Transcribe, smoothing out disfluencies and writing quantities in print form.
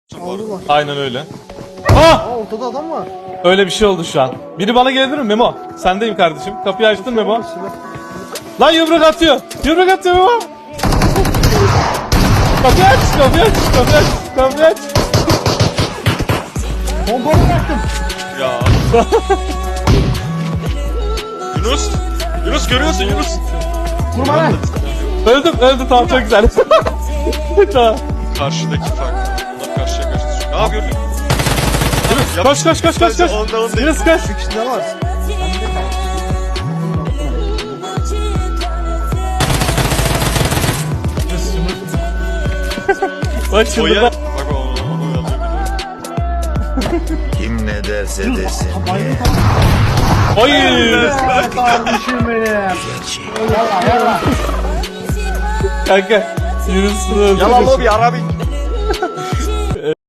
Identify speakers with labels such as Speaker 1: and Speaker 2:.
Speaker 1: Aldılar.
Speaker 2: Aynen öyle. Ah!
Speaker 1: Ortada adam var.
Speaker 2: Öyle bir şey oldu şu an. Biri bana gelebilir mi Memo? Sendeyim kardeşim. Kapıyı açtın Memo. Lan yumruk atıyor. Yumruk atıyor Memo. Kapıyı aç, kapıyı aç, kapıyı aç, kapıyı aç.
Speaker 1: Pompalı bıraktım.
Speaker 3: Ya. Yunus. Yunus görüyorsun Yunus.
Speaker 1: Vurma lan.
Speaker 2: Öldüm tamam çok güzel. Tamam.
Speaker 3: Karşıdaki fark. Onlar karşıya karşı. Aa gördün.
Speaker 2: Koş koş koş koş koş.
Speaker 3: Ondan değil.
Speaker 2: Yunus koş.
Speaker 1: İçinde var.
Speaker 2: Bak
Speaker 3: O
Speaker 2: şimdi
Speaker 3: ya.
Speaker 2: bak.
Speaker 3: Bak onu alıyor.
Speaker 4: Kim ne derse desin.
Speaker 2: Oy.
Speaker 1: Kardeşim benim.
Speaker 2: Kanka. Yunus'un
Speaker 3: Yalan lobi Arabi.